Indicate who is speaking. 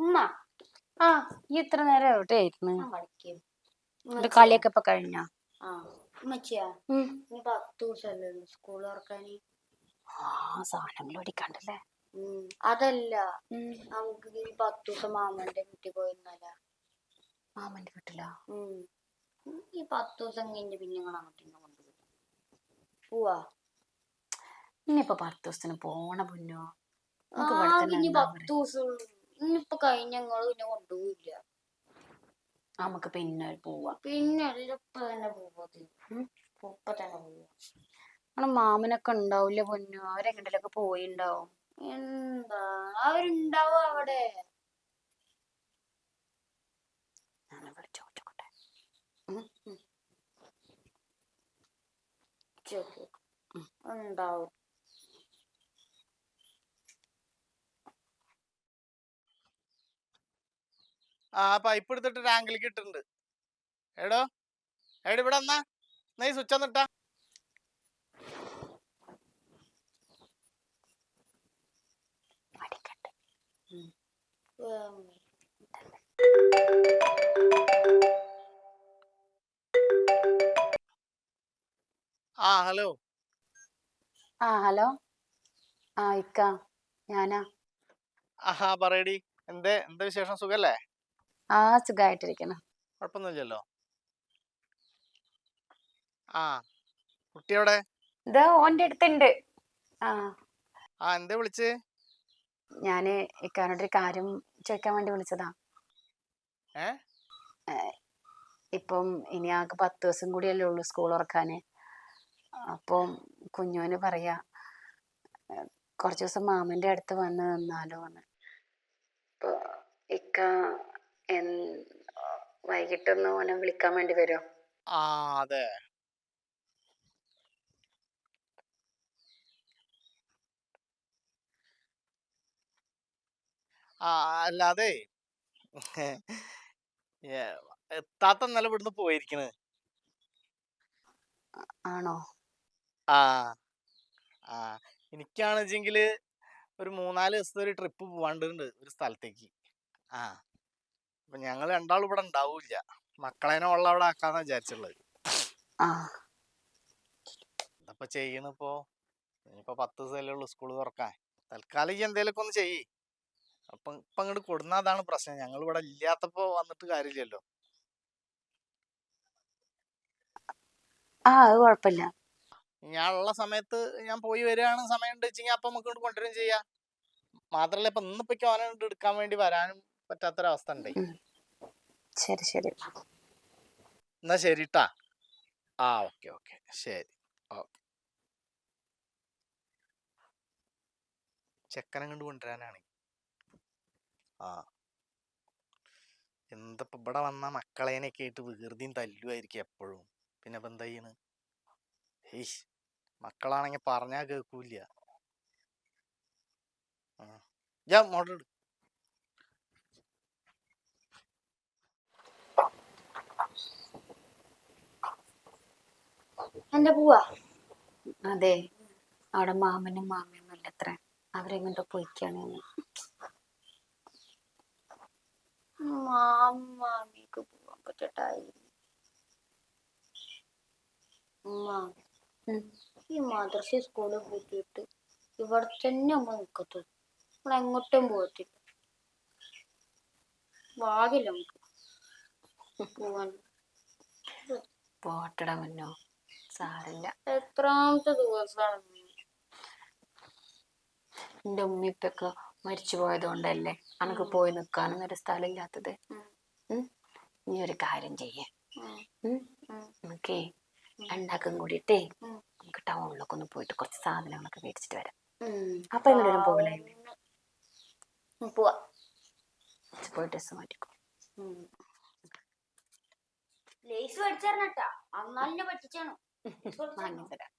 Speaker 1: ഉമ്മ
Speaker 2: ആ ഈ എത്ര നേരം എവിടെയായിരുന്നു?
Speaker 1: കളിയൊക്കെ
Speaker 2: ഇപ്പൊ കഴിഞ്ഞ?
Speaker 1: ഉമ്മച്ചിയാ ഇനി 10 ദിവസമല്ലേ സ്കൂൾ തുറക്കാന്.
Speaker 2: സാധനങ്ങൾ ഓടിക്കാണ്ടല്ലേ.
Speaker 1: അതല്ല, നമുക്ക് ഈ 10 ദിവസം മാമന്റെ വീട്ടിൽ പോയിരുന്നല്ല.
Speaker 2: മാമന്റെ വീട്ടിലാ?
Speaker 1: ഈ 10 ദിവസം കഴിഞ്ഞ് പിന്നെ നിങ്ങൾ അങ്ങോട്ട് കൊണ്ടുപോകും. പോവാ
Speaker 2: ഇനിയിപ്പൊ 10 ദിവസത്തിന് പോണ പൊന്നോ.
Speaker 1: ഇനി 10 ദിവസം ഇനിയിപ്പൊ കഴിഞ്ഞ ഞങ്ങള് പിന്നെ കൊണ്ടുപോയില്ല.
Speaker 2: നമുക്ക് പിന്നെ പോവാ.
Speaker 1: പിന്നെ ഇപ്പൊ തന്നെ പോവാ. ഇപ്പൊ തന്നെ പോവാ.
Speaker 2: മാമനൊക്കെ ഉണ്ടാവില്ല പൊന്നോ. അവരെങ്ങോട്ടൊക്കെ പോയിണ്ടാവും.
Speaker 1: എന്താ അവരുണ്ടാവും അവിടെ. ഉണ്ടാവും.
Speaker 3: പൈപ്പ് എടുത്തിട്ട് ടാങ്കിലേക്ക് ഇട്ടിട്ടുണ്ട്. എടോ ഇവിടെ എന്നാ ഈ സ്വിച്ച് ഒന്നിട്ടാ. ഹലോ.
Speaker 2: ഹലോ. ഇക്ക ഞാനാ.
Speaker 3: പറയടി. എന്താ വിശേഷം? സുഖല്ലേ?
Speaker 2: സുഖായിട്ടിരിക്കുന്നു.
Speaker 3: കുഴപ്പമൊന്നുമില്ലല്ലോ. കുട്ടി എവിടെ?
Speaker 2: ഇതാ ഓന്റെ അടുത്തുണ്ട്.
Speaker 3: എന്താ വിളിച്ചേ?
Speaker 2: ഞാന് ഇക്കാനോടൊരു കാര്യം ചോദിക്കാൻ വേണ്ടി വിളിച്ചതാ. ഇപ്പം ഇനി ആകെ 10 ദിവസം കൂടിയല്ലേ ഉള്ളൂ സ്കൂൾ തുറക്കാന്. അപ്പം കുഞ്ഞോന് പറയാ കുറച്ച് ദിവസം മാമന്റെ അടുത്ത് വന്ന് നിന്നാലോ എന്ന്. ഇപ്പൊ ഇക്ക വൈകിട്ടൊന്ന് ഓനെ വിളിക്കാൻ വേണ്ടി വരുമോ?
Speaker 3: അതെ. അല്ലാതെ താത്ത ഇന്നലെ ഇവിടുന്ന് പോയിരിക്കണ്.
Speaker 2: ആണോ?
Speaker 3: എനിക്കാണെച്ചെങ്കില് ഒരു 3-4 ദിവസത്തെ ഒരു ട്രിപ്പ് പോവാണ്ടുണ്ട് ഒരു സ്ഥലത്തേക്ക്. അപ്പൊ ഞങ്ങൾ രണ്ടാളും ഇവിടെ ഉണ്ടാവൂല. മക്കളേനെ ഉള്ള അവിടെ ആക്കാന്നാ വിചാരിച്ചുള്ളത്. എന്താ ചെയ്യണിപ്പോ? ഇനിയിപ്പോ 10 ദിവസമല്ലേ ഉള്ളൂ സ്കൂള് തുറക്കാൻ. തൽക്കാലം ഈ എന്തേലൊക്കെ ഒന്ന് ചെയ്യ്. ഇപ്പൊ അങ്ങോട്ട് കൊടുന്ന അതാണ് പ്രശ്നം. ഞങ്ങൾ ഇവിടെ ഇല്ലാത്തപ്പോ വന്നിട്ട് കാര്യമില്ലല്ലോ.
Speaker 2: അത് കുഴപ്പമില്ല.
Speaker 3: ഞാനുള്ള സമയത്ത് ഞാൻ പോയി വരികയാണ്. സമയം ഉണ്ട് വെച്ചെങ്കിൽ അപ്പൊ നമുക്ക് ഇങ്ങോട്ട് കൊണ്ടുവരും ചെയ്യാം. മാത്രല്ല ഇപ്പൊ ഇന്നിപ്പോ ഓനെ എടുക്കാൻ വേണ്ടി വരാനും പറ്റാത്തൊരവസ്ഥ ഉണ്ട്.
Speaker 2: ശരി ശരി.
Speaker 3: എന്നാ ശരിട്ടാ. ഓക്കെ ശരി. ചെക്കനെ കണ്ട് കൊണ്ടുവരാനാണ്. എന്തപ്പോ ഇവിടെ വന്ന മക്കളേനൊക്കെ ആയിട്ട് വികൃതിയും തല്ലുമായിരിക്കും എപ്പോഴും. പിന്നെ ഇപ്പൊ എന്താ ചെയ്യണ്? മക്കളാണെങ്കി പറഞ്ഞാ കേൾക്കൂല. മോട്ടർ ഇട്.
Speaker 1: എന്താ പോവാ?
Speaker 2: അതെ, അവിടെ മാമനും മാമിയൊന്നും ഇല്ല അത്ര. അവരെങ്ങോട്ട് പോയിക്കാണ്.
Speaker 1: മാമിക്ക് പോവാൻ പറ്റട്ടായി. ഈ മദ്രസ സ്കൂളിൽ പോയിട്ട് ഇവിടെ തന്നെ അമ്മ നിക്കത്തു. നമ്മൾ എങ്ങോട്ടും പോകത്തില്ല. ഭാഗ്യല്ല നമുക്ക് പോവാൻ.
Speaker 2: പോട്ടട മുന്നോ, സാരില്ല.
Speaker 1: എത്രാമത്തെ ദിവസമാണ്?
Speaker 2: എന്റെ ഉമ്മിപ്പൊക്കെ മരിച്ചു പോയത് കൊണ്ടല്ലേ അനക്ക് പോയി നിക്കാനും ഒരു സ്ഥലം ഇല്ലാത്തത്. നീ ഒരു കാര്യം ചെയ്യേ, നമുക്കേ രണ്ടാക്കും കൂടിയിട്ടേ നമുക്ക് ടൗണിലൊക്കെ ഒന്ന് പോയിട്ട് കുറച്ച് സാധനങ്ങളൊക്കെ മേടിച്ചിട്ട് വരാം. അപ്പൊ എങ്ങോട്ടും പോകലേ?
Speaker 1: പോവാ.
Speaker 2: പോയി ഡ്രസ് മാറ്റിക്കോ.
Speaker 1: ലേസ് മേടിച്ചേരണട്ടാ. അന്നാലിനെ പറ്റിച്ചാണോ?
Speaker 2: വാങ്ങിത്തരാം.